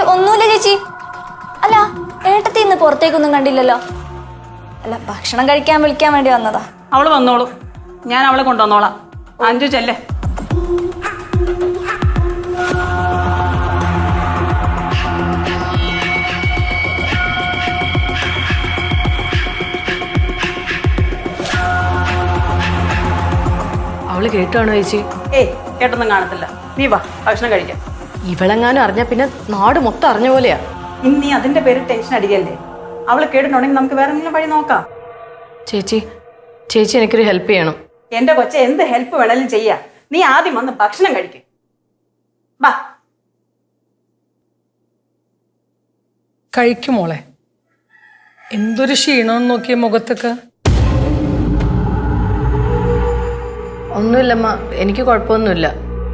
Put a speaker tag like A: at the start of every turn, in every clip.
A: ഒന്നുമില്ല ചേച്ചി. അല്ല, ഏട്ടത്തി ഇന്ന് പുറത്തേക്കൊന്നും കണ്ടില്ലല്ലോ. അല്ല, ഭക്ഷണം കഴിക്കാൻ വിളിക്കാൻ വേണ്ടി വന്നതാ.
B: അവള് വന്നോളൂ, ഞാൻ അവളെ കൊണ്ടുവന്നോളാം. അഞ്ചു ചെല്ലേ.
C: അവള് കേട്ടാണോ ചേച്ചി?
B: ഏയ്, കേട്ടൊന്നും കാണത്തില്ല. നീ വാ, ഭക്ഷണം കഴിക്കാം.
C: ഇവളെങ്ങാനും അറിഞ്ഞ പിന്നെ നാട് മൊത്തം അറിഞ്ഞ പോലെയാ.
B: ഇനി നീ അതിന്റെ പേര് ടെൻഷൻ അടിക്കല്ലേ. അവള് കേട്ടിട്ടുണ്ടെങ്കിൽ നമുക്ക് വേറെ എന്തെങ്കിലും വഴി നോക്കാം.
C: ചേച്ചി ചേച്ചി എനിക്കൊരു ഹെൽപ്പ് ചെയ്യണം.
B: എന്റെ കൊച്ചെ, എന്ത് ഹെൽപ്പ് വേണേലും ചെയ്യാ. നീ ആദ്യം വന്ന് ഭക്ഷണം കഴിക്കും. വാ.
D: കഴിക്കുമോളെ. എന്തൊരു ക്ഷീണമെന്ന് നോക്കിയ മുഖത്തൊക്കെ.
C: ഒന്നുമില്ലമ്മ, എനിക്ക് കുഴപ്പമൊന്നുമില്ല.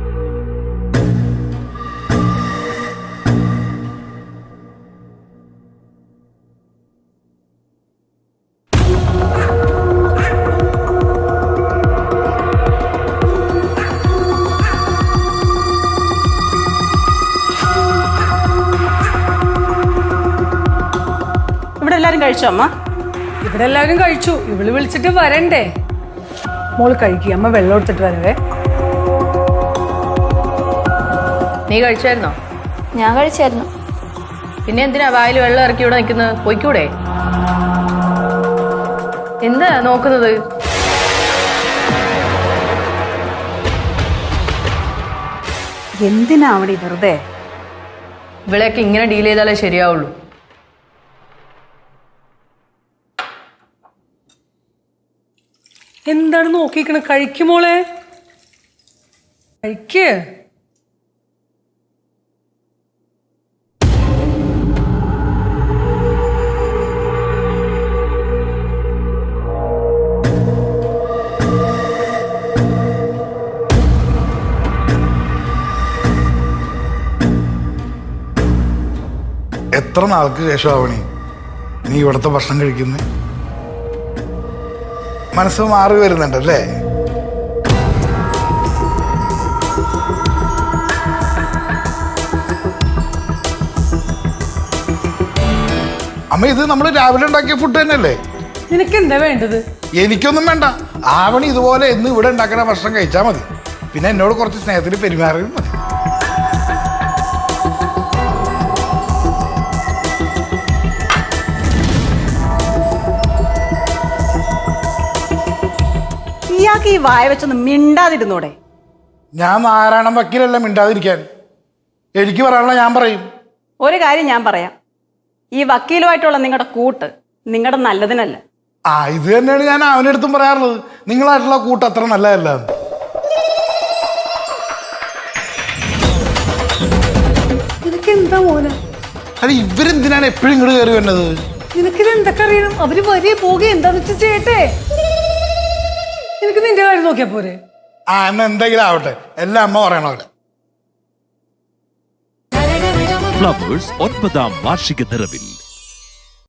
B: ഇവിടെ എല്ലാരും കഴിച്ചോ അമ്മ?
D: ഇവിടെ എല്ലാവരും കഴിച്ചു. ഇവള് വിളിച്ചിട്ട് വരണ്ടേ? മോള് കഴിക്കുക, അമ്മ വെള്ളം എടുത്തിട്ട് വരവേ.
C: നീ കഴിച്ചായിരുന്നോ?
A: ഞാൻ കഴിച്ചായിരുന്നു.
C: പിന്നെ എന്തിനാ വായിൽ വെള്ളം ഇറക്കി ഇവിടെ നിൽക്കുന്നത്? പോയിക്കൂടെ? എന്താ നോക്കുന്നത്?
B: എന്തിനാ അവിടെ വെറുതെ?
C: ഇവിടെയൊക്കെ ഇങ്ങനെ ഡീൽ ചെയ്താലേ ശരിയാവുള്ളൂ.
D: എന്താണ് നോക്കിക്കണ? കഴിക്കുമോളെ, കഴിക്ക്.
E: എത്ര നാൾക്ക് ശേഷമാവണി നീ ഇവിടുത്തെ ഭക്ഷണം കഴിക്കുന്നത്? മനസ്സ് മാറി വരുന്നുണ്ടല്ലേ? അമ്മ, ഇത് നമ്മൾ രാവിലെ ഉണ്ടാക്കിയ ഫുഡ് തന്നെയല്ലേ?
D: നിനക്ക് എന്താ വേണ്ടത്?
E: എനിക്കൊന്നും വേണ്ട. ആവണി ഇതുപോലെ എന്ന് ഇവിടെ ഉണ്ടാക്കുന്ന ഭക്ഷണം കഴിച്ചാൽ മതി. പിന്നെ എന്നോട് കുറച്ച് സ്നേഹത്തിൽ പെരുമാറിയും മതി.
B: ഇയാൾക്ക് ഈ വായ വെച്ചൊന്ന് മിണ്ടാതിരുന്നൂടെ?
E: ഞാൻ നാരായണൻ വക്കീലല്ല മിണ്ടാതിരിക്കാൻ. എനിക്ക് പറയാനുള്ള ഞാൻ പറയും.
B: ഒരു കാര്യം ഞാൻ പറയാം, ഈ വക്കീലുമായിട്ടുള്ള നിങ്ങളുടെ കൂട്ട് നിങ്ങളുടെ നല്ലതിനല്ല.
E: ഇത് തന്നെയാണ് ഞാൻ അവനടുത്തും പറയാറുള്ളത്. നിങ്ങളായിട്ടുള്ള കൂട്ട് അത്ര നല്ലതല്ല.
D: നിനക്ക് എന്താ മോനെ?
E: അല്ല, ഇവരെന്തിനാണ് എപ്പോഴും ഇങ്ങോട്ട് കയറി വരുന്നത്?
D: നിനക്കിത് എന്തൊക്കെ അറിയണം? അവര് വരിക പോകുക എന്താന്ന് വെച്ചാൽ ചെയ്യട്ടെ. നിനക്ക് നിന്റെ കാര്യം നോക്കിയാ പോരെ?
E: എന്നാ എന്തെങ്കിലും ആവട്ടെ, എല്ലാം അമ്മ പറയണ പോലെ.
F: ഫ്ലവേഴ്സ് 9ാം വാർഷിക നിറവിൽ